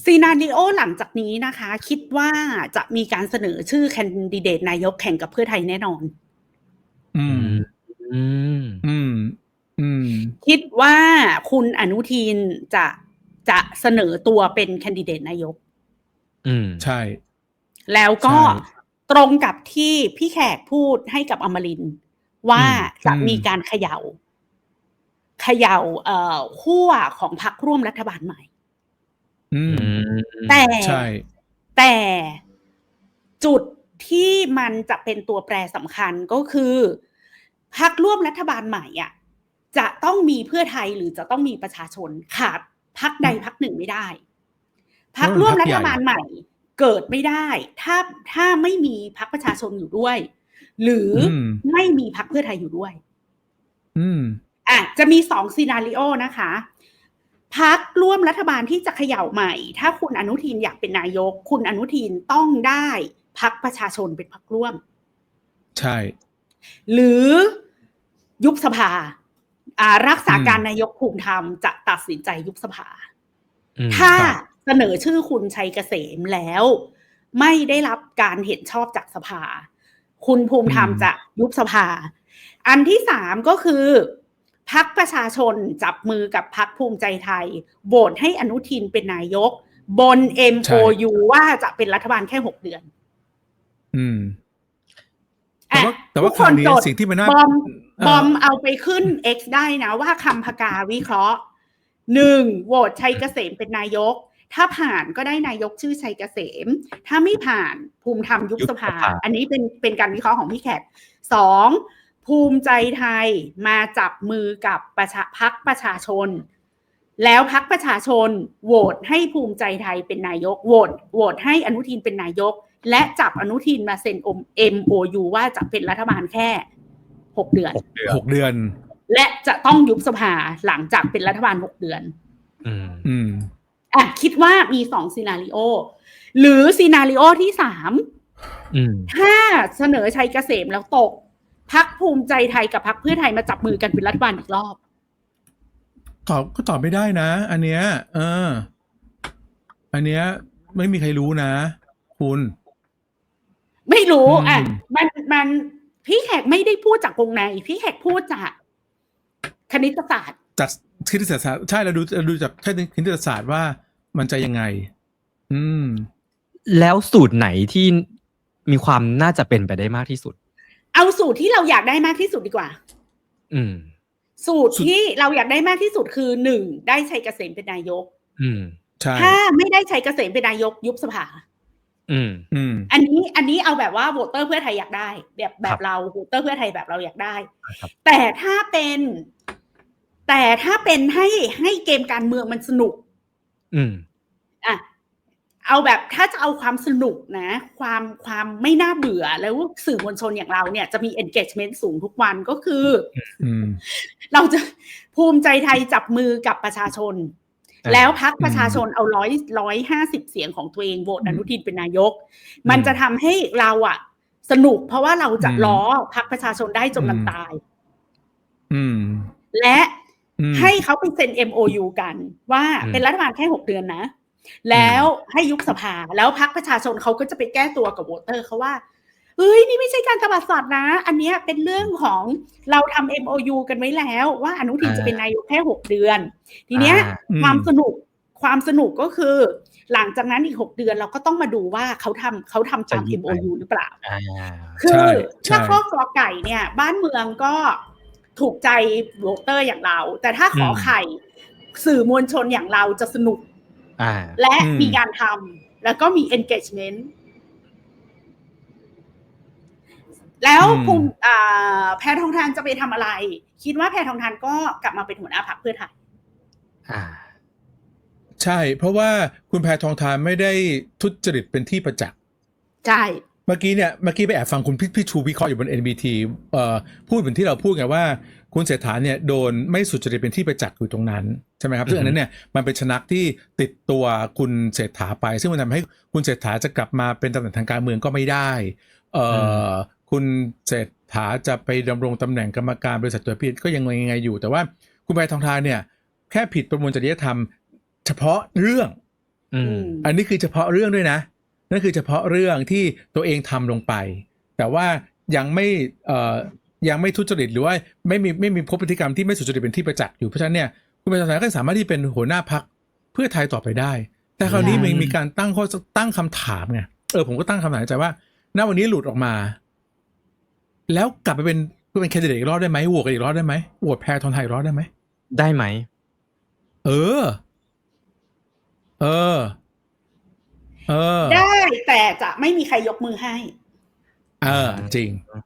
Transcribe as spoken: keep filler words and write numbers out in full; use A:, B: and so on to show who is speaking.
A: ซีนาริโอหลังจากนี้นะคะคิดว่าจะมีการเสนอชื่อแคนดิเดตนายกแข่งกับเพื่อไทยแน่นอน
B: อืมอืมอืมอืม
A: คิดว่าคุณอนุทินจะจะเสนอตัวเป็นแคนดิเดตนายก
B: อืมใช่
A: แล้วก็ตรงกับที่พี่แขกพูดให้กับอมรินทร์ว่าจะมีการเขย่าเขย่าเอ่อขั้วของพรรคร่วมรัฐบาลใหม่แต่แต่จุดที่มันจะเป็นตัวแปรสำคัญก็คือพรรคร่วมรัฐบาลใหม่อ่ะจะต้องมีเพื่อไทยหรือจะต้องมีประชาชนขาดพรรคใดพรรคหนึ่งไม่ได้พรรคร่วมรัฐบาลใหม่เกิดไม่ได้ถ้าถ้าไม่มีพรรคประชาชนอยู่ด้วยหรือไม่มีพรรคเพื่อไทยอยู่ด้วย
B: อืม
A: อ่ะจะมีสองซีนาริโอนะคะพรรคร่วมรัฐบาลที่จะเขย่าใหม่ถ้าคุณอนุทินอยากเป็นนายกคุณอนุทินต้องได้พรรคประชาชนเป็นพรรคร่วม
B: ใช่
A: หรือยุบสภาอ่ารักษาการนายกภูมิธรรมจะตัดสินใจยุบสภาถ้าเสนอชื่อคุณชัยเกษมแล้วไม่ได้รับการเห็นชอบจากสภาคุณภูมิธรรมจะยุบสภาอันที่สามก็คือพรรคประชาชนจับมือกับพรรคภูมิใจไทยโหวตให้อนุทินเป็นนายกบน เอ็ม โอ ยู ว่าจะเป็นรัฐบาลแค่หกเดือน
B: อืมแต่ว่าแต่ว่าคราวนี้สิ่งที่มันน่า
A: บอมบอมเอาไปขึ้น X ได้นะว่าคำพกาวิเคราะห์หนึ่งโหวตชัยเกษมเป็นนายกถ้าผ่านก็ได้นายกชื่อชัยเกษมถ้าไม่ผ่านภูมิธรรมยุบสภาอันนี้เป็นเป็นการวิเคราะห์ของพี่แขกสองภูมิใจไทยมาจับมือกับประชาพรรคประชาชนแล้วพรรคประชาชนโหวตให้ภูมิใจไทยเป็นนายกโหวตโหวตให้อนุทินเป็นนายกและจับอนุทินมาเซ็น เอ็ม โอ ยู ว่าจะเป็นรัฐบาลแค่หกเดือน
B: หกเดือน
A: และจะต้องยุบสภาหลังจากเป็นรัฐบาลหกเดือน
B: อืมอืม
A: อ่ะคิดว่ามีสองซีนาริโอหรือซีนาริโอที่สามถ้าเสนอชัยเกษมแล้วตกพรรคภูมิใจไทยกับพรรคเพื่อไทยมาจับมือกันเป็นรัฐบาลอีกรอบ
B: ตอบก็ตอบไม่ได้นะอันเนี้ยเอออันเนี้ยไม่มีใครรู้นะคุณ
A: ไม่รู้อ่ะมันมันพี่แขกไม่ได้พูดจากวงในพี่แขกพูดจากคณิตศาสตร์
B: จากคณิตศาสตร์ใช่เราดูเราดูจากแค่คณิตศาสตร์ว่ามันจะยังไงอืม
C: แล้วสูตรไหนที่มีความน่าจะเป็นไปได้มากที่สุด
A: เอาสูตรที่เราอยากได้มากที่สุดดีกว่า
C: อืม
A: สูตรที่เราอยากได้มากที่สุดคือหนึ่งได้ชัยเกษมเป็นนายก
B: อืมใช่
A: ถ้าไม่ได้ชัยเกษมเป็นนายกยุบสภา
B: อืมอืม
A: อันนี้อันนี้เอาแบบว่าโหวตเตอร์เพื่อไทยอยากได้แบบแบบเราโหวตเตอร์เพื่อไทยแบบเราอยากได้แต่ถ้าเป็นแต่ถ้าเป็นให้ให้เกมการเมืองมันสนุก
B: อืม
A: อ่ะเอาแบบถ้าจะเอาความสนุกนะความความไม่น่าเบื่อแล้วสื่อมวลชนอย่างเราเนี่ยจะมี engagement สูงทุกวันก็คือเราจะภูมิใจไทยจับมือกับประชาชนแล้วพรรคประชาชนเอาร้อยร้อยห้าสิบเสียงของตัวเองโหวตอนุทินเป็นนายกมันจะทำให้เราอะสนุกเพราะว่าเราจะล้อพรรคประชาชนได้จนมันตายและให้เขาไปเซ็น เอ็ม โอ ยู กันว่าเป็นรัฐบาลแค่หกเดือนนะแล้วให้ยุบสภาแล้วพรรคประชาชนเขาก็จะไปแก้ตัวกับโหวตเตอร์เขาว่าเฮ้ยนี่ไม่ใช่การตบัดสัตว์นะอันนี้เป็นเรื่องของเราทำ เอ็ม โอ ยู กันไว้แล้วว่าอนุทินจะเป็นนายกแค่หกเดือนทีเนี้ยความสนุกความสนุกก็คือหลังจากนั้นอีกหกเดือนเราก็ต้องมาดูว่าเขาทำเขาทำตาม เอ็ม โอ ยู หรือเปล่าคือถ้าข้อกอไก่เนี่ยบ้านเมืองก็ถูกใจโหวตเตอร์อย่างเราแต่ถ้าขอไข่สื่อมวลชนอย่างเราจะสนุกและมีการทำแล้วก็มี engagement แล้วภูมิแพทองธารจะไปทำอะไรคิดว่าแพทองธารก็กลับมาเป็นหัวหน้าพรรคเพื่อไทย
B: ใช่เพราะว่าคุณแพทองธารไม่ได้ทุจริตเป็นที่ประจักษ์
A: ใช่
B: เมื่อกี้เนี่ยเมื่อกี้ไปแอบฟังคุณพี่ชูวิเคราะห์อยู่บน เอ็น บี ที เอ่อพูดเหมือนที่เราพูดไงว่าคุณเศรษฐาเนี่ยโดนไม่สุจริตเป็นที่ประจักษ์อยู่ตรงนั้นใช่ไหมครับซึ่งอันนั้นเนี่ยมันเป็นชนักที่ติดตัวคุณเศรษฐาไปซึ่งมันทำให้คุณเศรษฐาจะกลับมาเป็นตำแหน่งทางการเมืองก็ไม่ได้เอ่อคุณเศรษฐาจะไปดำรงตำแหน่งกรรมการบริษัทตัวพี่ก็ยังไงยังไงอยู่แต่ว่าคุณแพทองธารเนี่ยแค่ผิดประมวลจริยธรรมเฉพาะเรื่อง
C: อืม
B: อันนี้คือเฉพาะเรื่องด้วยนะนั่นคือเฉพาะเรื่องที่ตัวเองทำลงไปแต่ว่ายังไม่เอ่อยังไม่ทุจริตหรือว่าไม่มีไม่มีพบพฤติกรรมที่ไม่สุจริตเป็นที่ประจักษ์อยู่เพราะฉะนั้นเนี่ยคุณประชาชนก็สามารถที่เป็นหัวหน้าพรรคเพื่อไทยต่อไปได้แต่คราวนี้มันมีการตั้งข้อตั้งคำถามไงเออผมก็ตั้งคำถามในใจว่าณวันนี้หลุดออกมาแล้วกลับไปเป็นเป็นแคนดิเดตอีกรอบได้ไหมโหวตกันอีกรอบได้ไหมโหวตแพทองทานอีกรอบได้ไหม
C: ได้ไหม
B: เออ เออ เออ
A: ได้แต่จะไม่มีใครยกมือให้
B: เออ จริง